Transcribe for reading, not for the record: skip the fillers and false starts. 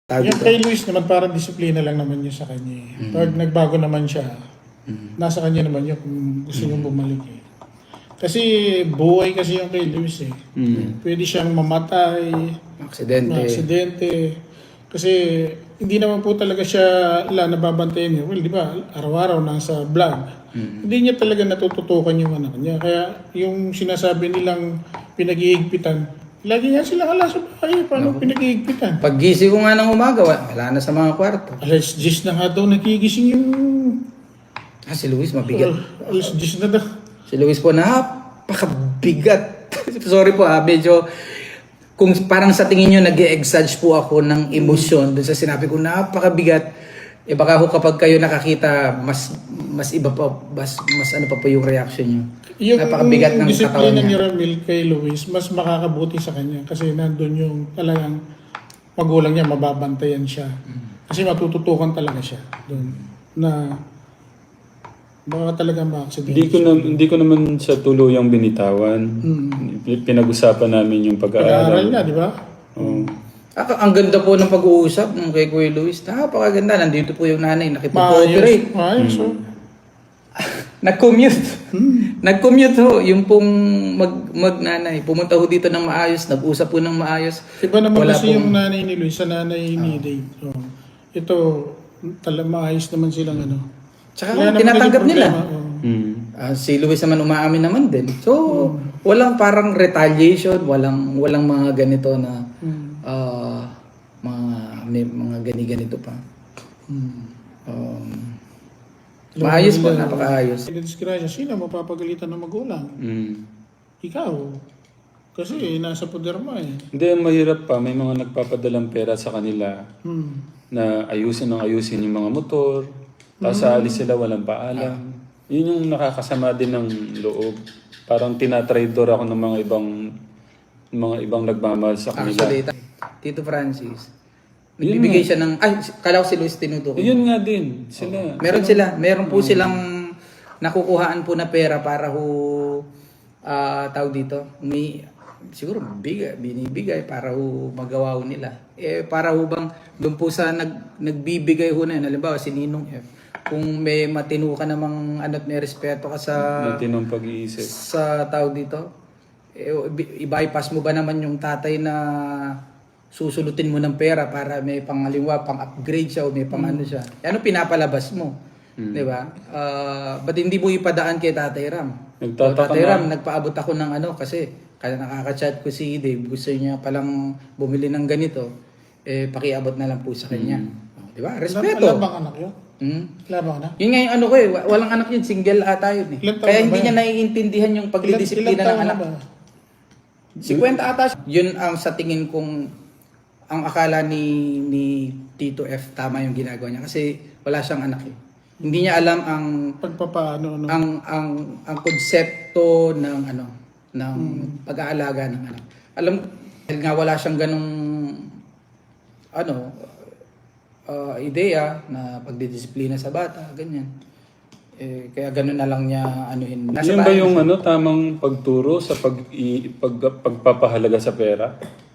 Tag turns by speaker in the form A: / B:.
A: Yung kay Luis naman, parang disiplina lang naman yun sa kanya. Pag nagbago naman siya, nasa kanya naman yun kung gusto niyong bumalik eh. Kasi buhay kasi yung kay Luis eh. Pwede siyang mamatay, aksidente. Kasi hindi naman po talaga siya nababantayan niya. Well, di ba, araw-araw nasa vlog. Hindi niya talaga natututukan yung anak niya. Kaya yung sinasabi nilang pinag-iigpitan, lagi nga sila kala sa bahay. Paano pinag-iigpitan?
B: Pag-gising ko nga ng umaga, wala na sa mga kwarto.
A: Alas 10 na nga daw nagigising yung...
B: Si Luis, mabigat.
A: Alas 10 na daw.
B: Si Luis po, napakabigat. Sorry po medyo... Kung parang sa tingin nyo, nag-e-exage po ako ng emosyon dun sa sinabi ko, napakabigat. Baka ho kapag kayo nakakita, mas iba pa, mas ano pa po yung reaction nyo.
A: Yung
B: napakabigat ng katawan
A: disiplina ni
B: niya.
A: Ramil kay Luis, mas makakabuti sa kanya. Kasi nandun yung talagang magulang niya, mababantayan siya. Kasi matututukan talaga siya doon. Na baka talaga ma-accident.
C: Hindi ko naman sa tuluyang binitawan. Pinag-usapan namin yung
A: Pag-aaral niya, di ba?
C: Oo.
B: Ang ganda po ng pag-uusap ng kay Kuya Luis. Napakaganda. Nandito po yung nanay, nakipag-cooperate.
A: Maayos, oh.
B: Nag-commute. Nag-commute ho. Yung pong mag-nanay. Pumunta ho dito ng maayos. Nag-usap po ng maayos.
A: Iba naman
B: Wala
A: kasi yung
B: pong-
A: nanay ni Luis sa nanay ni Dave. Oh. Ito, maayos naman silang ano.
B: Tsaka
A: Wala naman
B: tinatanggap
A: naging
B: nila.
A: problema, oh.
B: Si Luis naman umaamin naman din. So, walang parang retaliation, walang mga ganito na may mga ganito pa. Maayos po, napakaayos.
A: Disgrasya, sino mapapagalitan ng magulang? Ikaw. Kasi nasa poder mo eh.
C: Hindi, mahirap pa. May mga nagpapadalang pera sa kanila na ayusin yung mga motor. Tapos aalis sila, walang paalam. Yun yung nakakasama din ng loob. Parang tinatraidor ako ng mga ibang nagmamahal sa kanila.
B: Actually, Tito Francis, nagbibigay siya ng... Ay, kala ko si Luis tinutukoy.
C: Yun nga din. Sila.
B: Meron po silang nakukuhaan po na pera para ho, tawag dito, siguro binibigay para ho magawa ho nila. Para ho bang doon po sa nagbibigay ho na yun, halimbawa si Ninong F, kung may matino ka namang ano't may respeto ka sa
C: Matinong pag-iisip.
B: sa tawag dito, i-bypass mo ba naman yung tatay na susulutin mo ng pera para may pangaliwa, pang-upgrade siya o may pang-ano siya. Ano pinapalabas mo? Di ba? Ba't hindi mo ipadaan kay Tatay Ram?
C: Nagtataka
B: Tatay
C: nga.
B: Ram, nagpaabot ako ng ano kasi kaya nakaka-chat ko si Dave, gusto niya palang bumili ng ganito, pakiabot na lang po sa kanya. Di ba? Respeto.
A: Wala bang anak yun? Wala bang anak?
B: Yun nga yung ano ko walang anak yun, single ata yun eh.
A: Ilan taon
B: Kaya
A: na
B: hindi
A: ba
B: niya
A: yan?
B: naiintindihan yung pagdidisiplina
A: Ilan
B: ng
A: taon na
B: anak.
A: ba?
B: 50 ata siya. Yun ang sa tingin kong ang akala ni Tito F tama yung ginagawa niya kasi wala siyang anak eh. Hindi niya alam ang
A: Pagpapaano, no?
B: ang konsepto ng pag-aalaga ng anak. Alam dahil nga wala siyang ganong ideya na pagdidisiplina sa bata, ganyan. Kaya ganun na lang niya anuhin.
C: Yan ba yung tamang pagturo sa pagpapahalaga sa pera?